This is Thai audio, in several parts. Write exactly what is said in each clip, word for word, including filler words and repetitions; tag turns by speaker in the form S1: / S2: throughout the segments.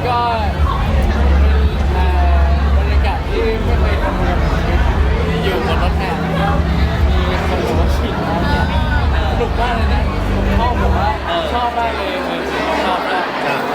S1: ก็เป็นบรรยากาศที่ไม่เคยทำมาอยู่บนรถแห่แล้วก็มีคนบอกว่าฉีดน้ำเนี่ยสนุกมากเลยนะผมชอบผมว่าชอบมากเลยชอบมาก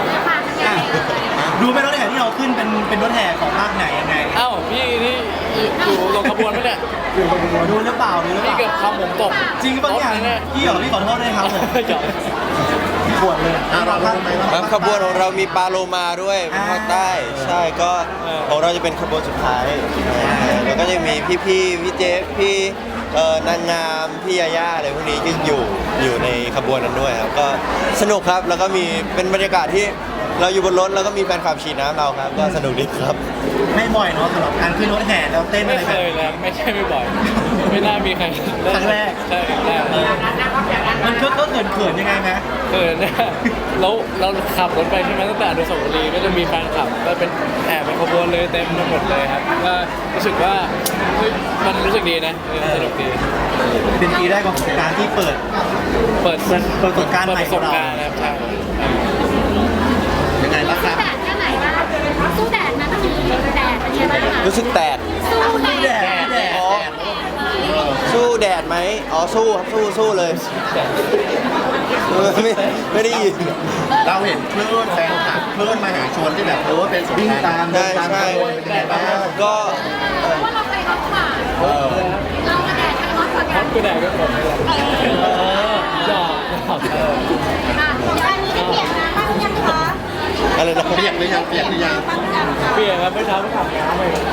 S2: ดูไหมรถแห่ที่เราขึ้นเป็นเป็นรถแห่ของภาคไหนยังไง
S1: เอ้าพี่นี่อยู่ลงขบวนไหมเนี่ย
S2: ดูหรือเปล่าดูหรือเป
S1: พี่
S2: ล่า
S1: เกือบทำผมตก
S2: จริงปะเนี่ยพี่เหรอพี่ขอโทษด้วยครับผม
S1: หยอก
S2: ปวดเลยเราทำไม
S3: ครับขบวนของเรามีปลาโลมาด้วยภาคใต้ใช่ก็ของเราจะเป็นขบวนสุดท้ายแล้วก็จะมีพี่พี่พี่เจฟพี่เอ่อนางงามพี่ยาย่าอะไรพวกนี้ก็อยู่อยู่ในขบวนนั้นด้วยครับก็สนุกครับแล้วก็มีเป็นบรรยากาศที่เราอยู่บนรถแล้วก็มีแฟนคลับฉีดน้ำเราครับก็สนุกดีครับ
S2: ไม่บ่อยเนาะสำหรับการขึ้นรถแห่แล้วเต้น
S1: ไม่
S2: อะไร
S1: เค
S2: แบบ
S1: ยเลยไม่ใช่ไม่บ่อย ไม่น่ามีใคร
S2: ครั้งแรก
S1: ใช่ครั้งแรก
S2: มันก็ก็เขินเขินๆยังไงไหม
S1: เออเนี่ยแล้วเราขับรถไปใช่ไหมตั้งแต่อนุสาวรีย์ก็จะมีแฟนคลับก็เป็นแอบเป็นขบวนเลยเต็มไปหมดเลยครับก็รู้สึกว่าเฮ้ยมันรู้สึกดีนะเออสนุกดี
S2: เป็นปีแรกของการที่เปิด
S1: เปิด
S2: เปิดเปิดประสบการณ์
S1: เปิด
S2: ใหม่
S1: ประส
S2: ของ
S1: บ
S2: เรา
S1: การณ์นะครับใช่
S2: ยังไงล่ะครับ
S4: แดดแค่ไหนบ้างสู้แดดนะเมื่อกี้แดดเป็นยังไงบ้างคะ
S3: รู้สึกแตก
S4: สู้แดด
S2: แดดแดด
S3: อ๋อสู้แดดไหมอ๋อสู้ครับสู้สู้เลยเออไม่ไม่ได้ยิน
S2: เราเห็นคลื่นแฟนคลับคลื่นมหาชนที่แบบโอ้เป็นวิ่งตามเดิ
S3: ใช่
S2: นตาม
S3: ใช่
S2: ขบวนเป็นยังไงบ้าง
S3: ก็
S4: เพราะว่าเราไปร้อนกว่า
S2: เออ
S4: เรากับแดดใครร้อนกว่า
S1: ค
S4: กั
S1: รั
S4: น
S1: บกูแดกก็ผมนี่แหละ
S2: เออ
S1: หยอกหยอกเออ
S4: อ่ะเดี๋ยวอันนี้ได้เปลี่ยนนะบ้างยังคะ
S3: อะไรนะ
S2: เปียกหรือยังเปียกหรือยัง
S4: บ้างยังคะ
S1: เปลี่ยนครับไม่ช้าไม่ขับน้ำเลย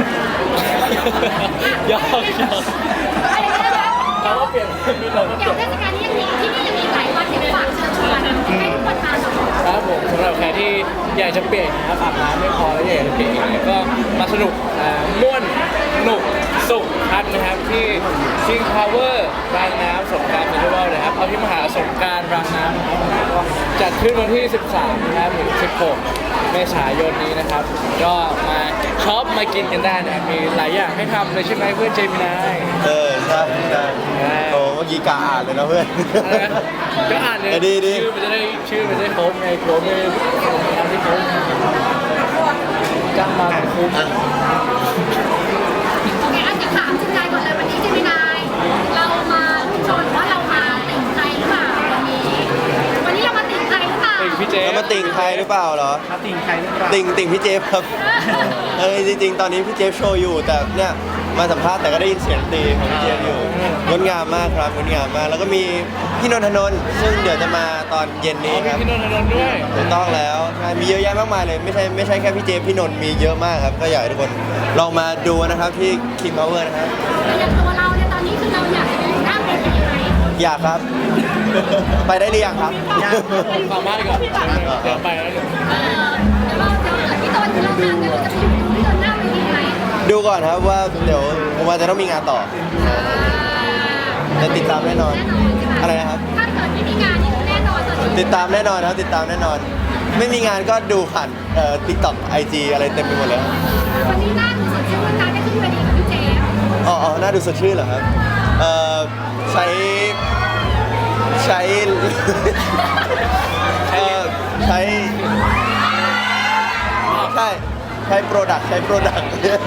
S1: หยอกหยอกเราก็เปลี่ยนมีเราก็เป
S4: เดี๋
S1: ลี่
S4: ย
S1: ยว น
S4: เทศกาลนี้ยังมีที่นี่ยังมีหลายวันเดี๋ยวฝากเชิญชวนให้ทุกคนมาหน่อย
S1: ครับผมสำหรับใครที่อยากจะเปลี่ยนนะครับอาบน้ำไม่พอแล้วอยากจะเปลี่ยนอีกเนี่ยก็มาสนุกอ่าม่วนสนุกสุขพัดนะครับที่ซิงพาวเวอร์รางน้ำสงกรานต์เฟสติวัลนะครับเอาที่มหาสงกรานต์รางน้ำนะครับก็จัดขึ้นวันที่ สิบสาม นะครับถึง สิบหก เมษายนนี้นะครับ ก็มาช็อปมากินกันได้นะครับมีหลายอย่างให้ทำเลยใช่ไหมเพื่อนเจมินาย
S3: เออใช่ใช่โอ้เมื่อกี้กาอ่านเลยนะเพื่อน
S1: อะไรนะก็อ่านเลย
S3: ดีดี
S1: ชื่อมันจะได้ชื่อมันจะได้ครบไงครบไม่ทำที่ครบจ้างมาคุ้ม
S4: โอเคอันจะถามจิตใจก่อนเลยวันนี้เจมินายเรามาลูกชนว่าเรามาติ่งใครหรือเปล่าวันนี้ วันนี้เรามาติ่งใครหรือเปล่า
S1: ติ่งพี่เจ
S3: แล้วมาติ่งใครหรือเปล่าเหรอ
S2: ครับติ่งใครหรือเปล่า
S3: ติ่งติ่งพี่เจฟครับเออจริงๆ ตอนนี้พี่เจฟโชว์อยู่แต่เนี่ยมาสัมภาษณ์แต่ก็ได้ยินเสียงตีของพี่เจฟอยู่งดงามมากครับงดงามมากแล้วก็มีพี่นนทนนท์ซึ่งเดี๋ยวจะมาตอนเย็น
S1: อ๋
S3: นี้
S1: อ
S3: ครับ
S1: พี่นนท์นนท์ด้วย
S3: ถูกต้องแล้วใช่มีเยอะแยะมากมายเลยไม่ใช่ไม่ใช่แค่พี่เจฟพี่นนท์มีเยอะมากครับก็อยากให้ทุกคนลองมาดูนะครับที่ King Power นะครับ
S4: อย่างตัวเราเนี่ยตอนนี้คือเราอยากจะไปอยู่หน้าเวทีไหม
S3: อยากครับ ไปได้หรือยังครับ
S1: ฟังบ้านก่อนเดี๋ยวไปแล้วเดี๋ยว
S4: เออเดี๋ยวเราเดี๋ยวเกิดพี่ตนที่เรางานเนี่ยเราจะไปอยู่ที่ตนหน้าเวทีไหม
S3: ดูก่อนครับว่าเดี๋ยวผมว่าจะต้องมีงานต่อจะติดตามแน่นอน
S4: แน่นอนใช่ไหม
S3: อะไรนะครับ
S4: ถ้าเกิดไม่มีงานนี่คือแน่นอนตอนนี้
S3: ติดตามแน่นอนครับติดตามแน่นอน ไม่มีงานก็ดูผ่านเอ่อ TikTok ไอ จี อะไรเต็มไปหมดเลยครับ
S4: วันนี้น่าดูสดชื่นการได้ขึ้นเวทีกับพี่เจฟ
S3: อ๋ออ๋อน่าดูสดชื่นเหรอครับเอ่อใช้ใช้ เอ่อใช้ใช่ใช้โปรดักใช้โปรดัก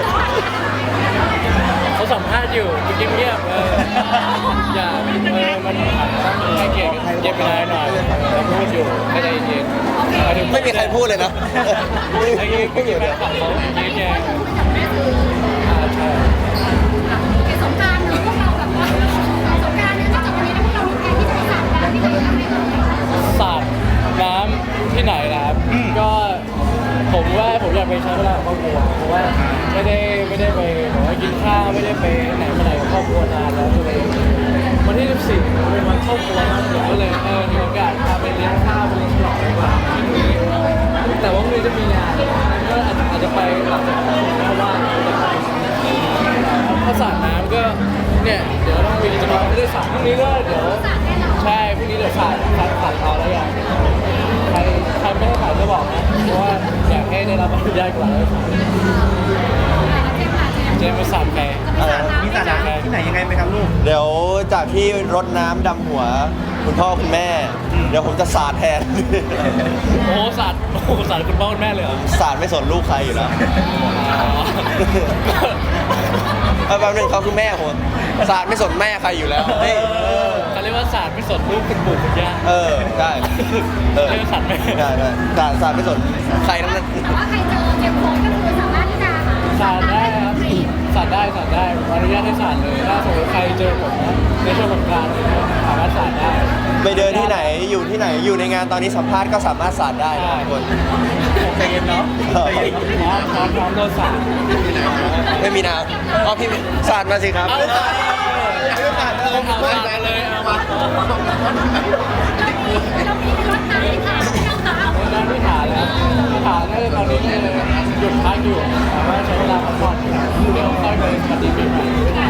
S1: เขาสัมภาษณ์อยู่เงียบเงียบๆเอออย่าเออมันต้องให้เกียรติเจมินายหน่อยเราพูดอยู่ไม่ใจเย็นๆาถึง
S3: ไม่มีใครพูดเลยนะ
S1: ไอ้ไม่มีแฟนคลับเขาเย็นแย่อ่าใช่
S4: โอเคสงกรานต์เนอะพวกเราแบบว่าสงกรานต์เนี่ยนอกจากวันนี้แล้วพวกเรามีแผนที่จะไปสาดน้ำที่ไหนบ้างไหมเอ่ย
S1: สาดน้ำที่ไหนนะครับ ก็ผมว่าผมอยากไปใช้เวลากับครอบครัวเพราะว่าไม่ได้ไม่ได้ไปแบบว่ากินข้าวไม่ได้ไปไหนมาไหนกับครอบครัวนานแล้วก็เลยวันที่สิบสี่เป็นวันครอบครัวมากเลยก็เลยเออมีโอกาสพาไปเลี้ยงข้าวไปเลี้ยงฉลองดีกว่าแต่ว่าพรุ่งนี้จะมีงานก็อาจอาจจะไปหลังจากนั้นเพราะว่าถ้าสาดน้ำก็เนี่ยเดี๋ยวต้องมีจะมาไม่ได้สาดพรุ่งนี้ก็เดี๋ยว
S4: สาดแน่นอน
S1: ใช่พรุ่งนี้เดี๋ยวสาดสาดสาดเอาแล้วอย่างใครใครไม่ได้สาดก็บอกนะเพราะว่าอยากให้ได้รับอนุญาตก่อนแล้วเจมส์มาสาดแพร
S3: อะไร
S2: มีสาดน้ำที่ไหนยังไงไหมครับลูก
S3: เดี๋ยวจากที่รดน้ำดำหัวคุณพ่อคุณแม่ เดี๋ยวดี๋ยวผมจะสาดแทน
S1: โอ้สาดโอ้สาดคุณพ่อคุณแม่เลยเหรอ
S3: สาดไม่สนลูกใครอยู่แล้ว
S1: อ๋อ
S3: เอาแป๊บนึงเขาคือแม่ผมสาดไม่สนแม่ใครอยู่แล้วเฮ้ย
S1: เขาเรียกว่าสาดไม่สนลูกคุณปู่คุณย่า
S3: เออได้เออ
S1: เรียกว่าสาดแม่
S3: ได้ได้สาดสาดไม่สนใครทั้งนั้น
S4: แต่ว่าใครเจอเจมโค้งก็คือสามารถที่จะ
S1: สาดได้ครับสาดได้สาดได้อนุญาตให้สาดเลยถ้าสมมติใครเจอผมนะในช่วงสงกรานต์อะไรเงี้ยสามารถสาดได้
S3: ไปเดินที่ไหนอยู่ที่ไหนอยู่ในงานตอนนี้สัมภาษณ์ก็สามารถสาดได้นะทุกคน
S1: ใจเย็นเนาะพร้อมพร้อมพร้อมโดนสาด
S3: ไม่มีน้ำอ๋อพี่สาดมาสิครับ
S1: เอาสาดเอาสาดมาเลยเอามา
S4: เรามีรถน้ำที่ทางที่เราตาม
S1: ด้านที่ฐานแล้วที่ฐานน่าจะตอนนี้เนี่ยหยุดพักอยู่แต่ว่าใช้เวลาพักผ่อนเดี๋ยวค่อยไปปฏิบัติใหม่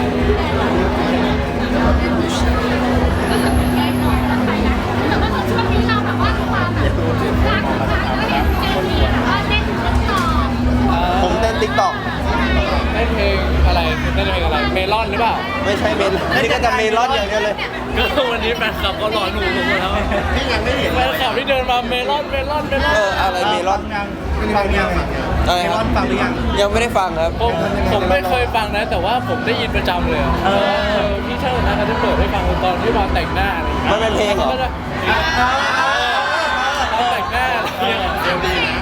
S4: ก็จะเป็นแรงนอนแล้วไปนะแต่ว่าช่วงนี้เราแบบว่าความแบบรักรักก็เห็นเจมี่แบบว่าเล่นติ๊กต็อก
S3: ผมเต้นติ๊กต็อก
S1: เล่นเพลงอะไรเล่นเพลงอะไรเมลอนหรือเปล่า
S3: ไม่ใช่เมนนี่ก็จะเมลอนอย่างเดียวเลย
S1: ก็วันนี้แฟนคลับก็รอหนูผมหมดแล้ว
S2: นี่ยังไม่เห็น
S1: แฟนคลับที่เดินมาเมลอนเมลอนเมลอน
S3: เอออะไรเมลอน
S2: ฟังยังฟังยัง
S3: อะไรครับ
S2: ฟังหรือยัง
S3: ยังไม่ได้ฟังครับ
S1: ผมผมไม่เคยฟังนะ แต่ว่าผมได้ยินประจำเลยอะเออพี่ช่างนะเขาจะเปิดให้ฟังตอนที่มาแต่งหน้าอะไรอย่างเงี้ย
S3: มันเป็นเพลงเหรอ
S1: ขาจะตอนแต่งหน้าอะไรอย่างเงี้ยเดี๋ยวดีนะ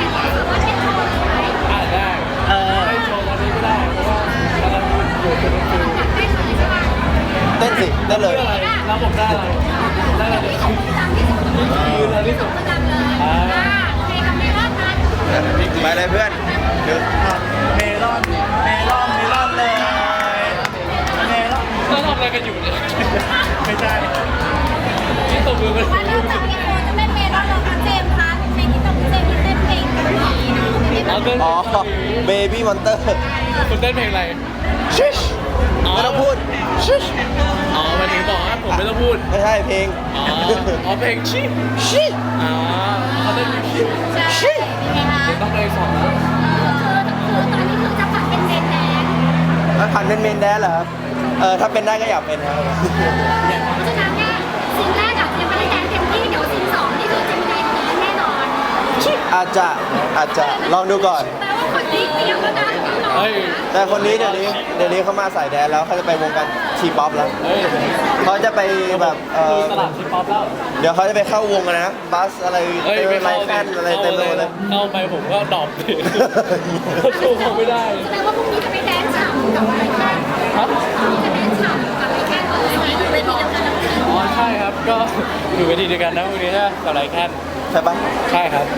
S1: อ่าได้เออได้โชว์ตอนนี้ก็ได้เพราะว่ากำลังอยู่เป็นฟิล
S3: เต้นสิเต้นเลย
S1: เรื่องอะไรแล้วผมได้อะไรได้อะไรยืนอะไรที่สุด
S4: อ่าโอเคกับเมลอนนะ
S3: ไปเลยเพื่อนเดี๋ยว
S2: เมลอนเมลอนเมลอนเลยเมลอน
S1: เราทำอะไรกันอยู่เนี่ย
S2: ไม่ใช่
S1: ที่ตบมือกัน
S4: ว่าเริ่มจากเมโคจะเต้นเมลอนแล้วก็เจมส์คะเพลงที่ต้องเจมส์ที่เต้นเพลงเกาหลีเนาะไม่ได้
S1: อ๋อ
S4: แบบ
S1: เต้น
S3: อ๋อเบบี้มอนเตอร์
S1: คุณเต้นเพลงอะไร
S3: ชิชไม่ต้องพูดชิช
S1: อ๋อมันถึงบอกว่าผมไม่ต้องพูด
S3: ไม่ใช่เพลง
S1: อ๋ออ๋อเพลงชิ
S3: ชิ
S1: อ๋อเขาเต้นชิ
S4: ใช่เป็นไงคะ
S1: ต้องไปสองแล้ว
S4: คือตอนนี้คือจะผัดเป็นเมนแดน
S3: แล้วผ่านเป็นเมนแดนเหรอครับเออถ้าเป็นได้ก็อยากเป็นครับ
S4: เพราะฉะนั้นเนี่ยซีนแรกอะยังไม่ได้แดนเต็มที่เดี๋ยวซีนสองนี่คือจะมีแดนแน่นอน
S3: อาจจะอาจจะลองดูก่อน
S4: แปลว่าคนนี้เตรียมแล้วนะ
S1: เฮ้ย
S3: แต่คนนี้เดี๋ยวนี้เดี๋ยวนี้เขามาสายแดนแล้วเขาจะไปวงการทีป๊อปแล้ว
S1: เฮ้ย
S3: เขาจะไปแบบเออ
S1: ตลาดทีป๊อปแล้ว
S3: เดี๋ยวเขาจะไปเข้าวงกันนะบัสอะไร
S1: เฮ้ย
S3: เต็ม
S1: ไม่
S3: ไล
S1: เข้า
S3: ฟ์แฟนอะไรเต็มไปหมดเลย
S1: เข้าไปผมก็ดรอปเลยสู้เขาไม่ได้
S4: แสดงว่าพรุ่งนี้จะไปแดนฉ่ำกับอะไรแค่
S1: ครับ
S4: พรุ่งนี้จะแดนฉ่ำกับอะไรแค่เลยเวทีเดียวกันแล้ว
S1: อ๋อใช่ครับก็อยู่เวทีเดียวกันนะวันนี้นะกับไรแค่น
S3: ใช่ปะ
S1: ใช่ครับ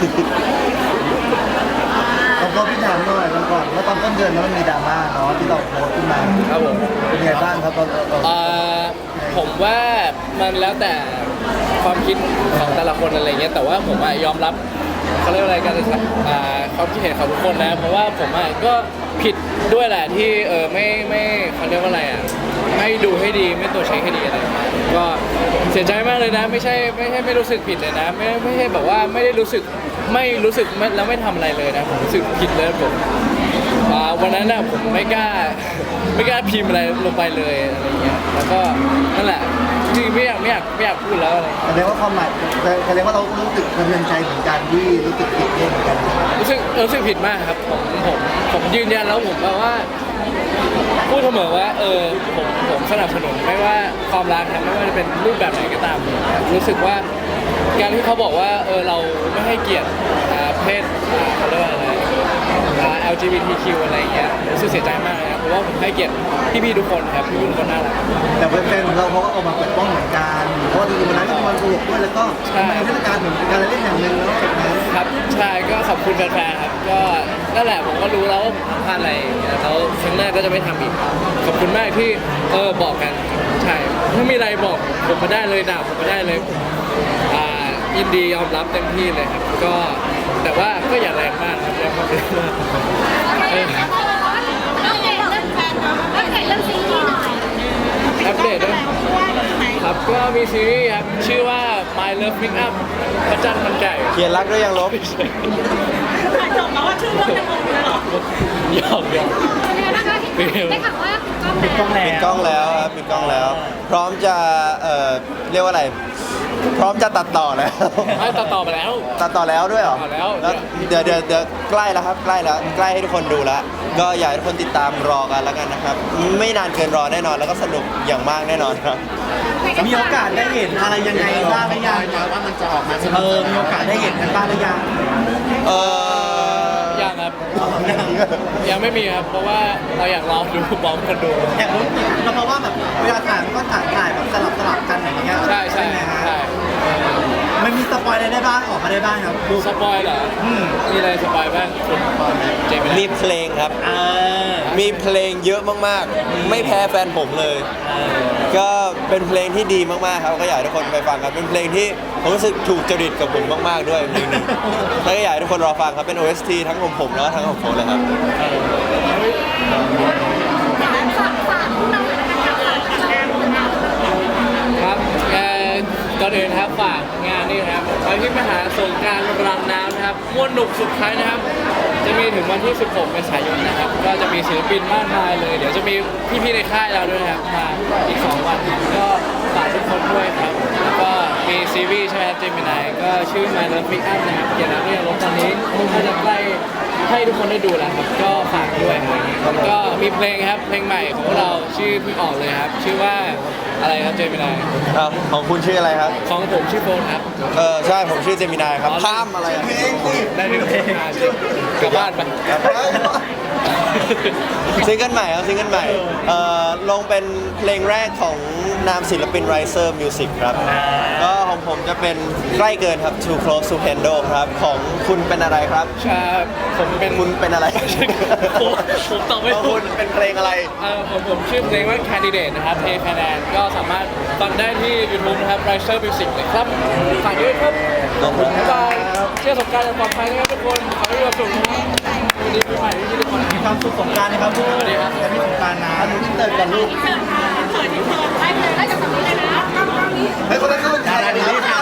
S2: แล้วก็พี่ถามหน่อยวันก่อนว่าตอนต้นเดือนนั้นมันมีดราม่าเนาะที่เราโพสต์ขึ้นมา
S1: ครับผม
S2: เป็นไงบ้างครับตอนตอน
S1: เอ่อผมว่ามันแล้วแต่ความคิดของแต่ละคนอะไรเงี้ยแต่ว่าผมอะยอมรับเขาเรียกว่าอะไรกันอ่าความคิดเห็นของทุกคนนะเพราะว่าผมอะก็ผิดด้วยแหละที่เออไม่ไม่เขาเรียกว่าอะไรอ่ะไม่ดูให้ดีไม่ตัวจเช็คให้ดีอะไรเงี้ยก็เสียใจมากเลยนะ ไม่ใช่ไม่ใช่ไม่รู้สึกผิดเลยนะ ไม่ไม่ใช่แบบว่าไม่ได้รู้สึกไม่รู้สึกไม่แล้วไม่ทำอะไรเลยนะผมรู้สึกผิดเลยผม อ่าวันนั้นน่ะผมไม่กล้าไม่กล้าพิมพ์อะไรลงไปเลยอะไรเงี้ยแล้วก็นั่นแหละจริงๆไม่อยากไม่อยากไม่อยากพูดแล้วอะไร
S2: แสดงว่าความหมายแสดงว่าเรารู้สึกกระเทือนใจเหมือนกันที่รู้สึกผิดเองเหมือนกัน
S1: รู้สึกรู้สึกผิดมากครับผมผมผมยืนยันแล้วผมแบบว่าพูดเสมอว่าเออผมผมสนับสนุนไม่ว่าความรักนะไม่ว่าจะเป็นรูปแบบไหนก็ตามรู้สึกว่าการที่เขาบอกว่าเออเราไม่ให้เกียรติอ่าเพศอ่าเขาเรียกว่าอะไรอ่า แอล จี บี ที คิว อะไรอย่างเงี้ยรู้สึกเสียใจมากเลยนะเพราะว่าผมให้เกียรติพี่ๆทุกคนครับพี่ๆทุกคนน่ารัก
S2: แต่แฟนๆของเราเขาก็ออกมาปกป้องเหมือนกันเพราะว่าจริงๆวันนั้นก็มีวันสนุกด้วยแล้วก็
S1: ใช่
S2: เป็นเทศกาลเหมือนเป็นการเล่นแห่งหนึ่งแล้วแบบนั้น
S1: ครับใช่ก็ขอบคุณแฟนๆครับก็นั่นแหละผมก็รู้แล้วว่าผมทำพลาดอะไรอย่างเงี้ยแล้วครั้งหน้าก็จะไม่ทำอีกขอบคุณมากที่เออบอกกันใช่ถ้ามีอะไรบอกผมมาได้เลยด่าผมมาได้เลยอ่ายินดียอมรับเต็มที่เลยครับก็แต่ว่าก็อย่าแรงมากครับอย่ามาเป็นมาก
S4: เออต้องเด็กเรื่องแฟนเนาะต้องเด็กเรื่องซีรีส์หน่อย
S1: อัปเดตด้วยครับก็มีซีรีส์ครับชื่อว่า My Love Pick Up พระจันทร์มันไก่
S3: เขียนรักด้วยยังลบ
S4: ถ่ายจบแล้วว่าชื่อเรื่องจะงงเลยเหรอ
S1: หยอกหยอก
S4: เป็นไงบ้างคะได้ข่าวว่าปิดกล้องแล้ว
S3: ปิดกล้องแล้วครับปิดกล้องแล้ว พร้อมจะเอ่อเรียกว่าอะไรพร้อมจะตัดต่อแล้ว
S1: ไม่ตัดต่อไปแล้ว
S3: ตัดต่อแล้วด้วยเหรอ
S1: ตัดต่อแล้ว
S3: เดี๋ยวเดี๋ยวเดี๋ยวใกล้แล้วครับใกล้แล้วใกล้ให้ทุกคนดูแล้ว ก็อยากให้ทุกคนติดตามรอกันแล้วกันนะครับ ไม่นานเกินรอแน่นอนแล้วก็สนุกอย่างมากแน่นอนครับ
S5: มีโอกาสได้เห็นอะไรยังไงบ้างหรือยัง
S2: มาว่ามันจะออกมา
S5: เออมีโอกาสได้เห็นกันบ้างหรือยัง
S3: เออ
S1: ยังครับ ยังไม่มีครับ เพราะว่าเราอยากลองดูพร้อมคนดู
S5: อยากรู้แล้วเพราะว่าแบบเวลาถ่ายมันก็ถ่ายถ่ายแบบสลับสลับกันอย่างเงี้ย
S1: ใช่ใช่
S5: ไหมฮะ
S1: ใช่
S5: มันมีสปอยอะไรได้บ้างออกมาได้บ้างครับดู
S1: สปอยเหรอ
S5: อืม
S1: มีอะไรสปอยบ้างคุณเจมิ
S3: มี
S1: นา
S3: เพลงครับ
S5: เออ
S3: มีเพลงเยอะมากๆ ไม่แพ้แฟนผมเลย ก็เป็นเพลงที่ดีมากๆครับก็อยากให้ทุกคนไปฟังครับเป็นเพลงที่ผมรู้สึกถูกจริตกับผมมากๆด้วยเพลงนี้แล้วก็อยากให้ทุกคนรอฟังครับเป็น โอ เอส ที ทั้งของผมแล้วก็ทั้งของผมเลยครับ
S4: ฝากฝากพวกเราหน่อยละกันค่ะฝากผลงานของเรา
S1: ครับเอ่อก่อนอื่นนะครับฝากงานนี่นะครับไปที่มหาสงกรานต์รังน้ำนะครับม่วนหนุกสุดท้ายนะครับ จะมีถึงวันที่ สิบหก เมษายนนะครับ ก็จะมีศิลปินมากมายเลย เดี๋ยวจะมีพี่ๆในค่ายเราด้วยนะครับมาอีก สอง วันครับก็ฝากทุกคนด้วยครับ แล้วก็มีซีรีส์ใช่ไหมครับเจมินายก็ชื่อ My Love Pick Up นะครับเกี่ยวกับเรื่องรถตอนนี้ก็จะใกล้ให้ทุกคนได้ดูแล้วครับ ก็ฝากด้วยครับแล้วก็มีเพลงครับเพลงใหม่ของพวกเราชื่อเพิ่งออกเลยครับ ชื่อว่าอะไรครับเจมินาย
S3: อ้าวของคุณชื่ออะไรครับ
S1: ของผมชื่อโฟนครับ
S3: เออใช่ผมชื่อเจมินายครับข้ามอะไรอะ
S1: ได้หนึ่งเพลงกลับบ้านไป
S3: ซิงเกิลใหม่ครับซิงเกิลใหม่เอ่อลงเป็นเพลงแรกของนามศิลปิน Riser Music ครับ ก็ของผมจะเป็นใกล้เกินครับ Too Close to Handle ครับ ของคุณเป็นอะไรครับ
S1: ใช่ผมเป็น
S3: คุณเป็นอะไร
S1: ผมผมตอบไม่
S3: ของ
S1: ถู
S3: คุ
S1: ก
S3: ณเป็นเพลงอะไร
S1: เออผมผมชื่อเพลงว่า Candidate นะครับเพลงคะแนนก็สามารถฟังได้ที่ YouTube นะครับ Riser Music เลยครับฝากด้วยครับ
S3: ขอบคุณ
S1: บ๊ายบายเชื่อสงกรารอย่างปลอดภัยนะครับทุกคนขอให้มีความสุขนะครับสวัสดีปีใหม่ที่ทุกคน
S5: มีความสุขสงกรารนะครับลูก
S1: สวัสดีครับ
S5: และมีสงกรารนะลูกที่เติร์กันลูก
S4: เขินค่ะเขินที่เขินได้เลยได้จากตรงนี้เลยนะ
S2: ให้คนละครึ่ง
S5: ดาราดีๆค่ะ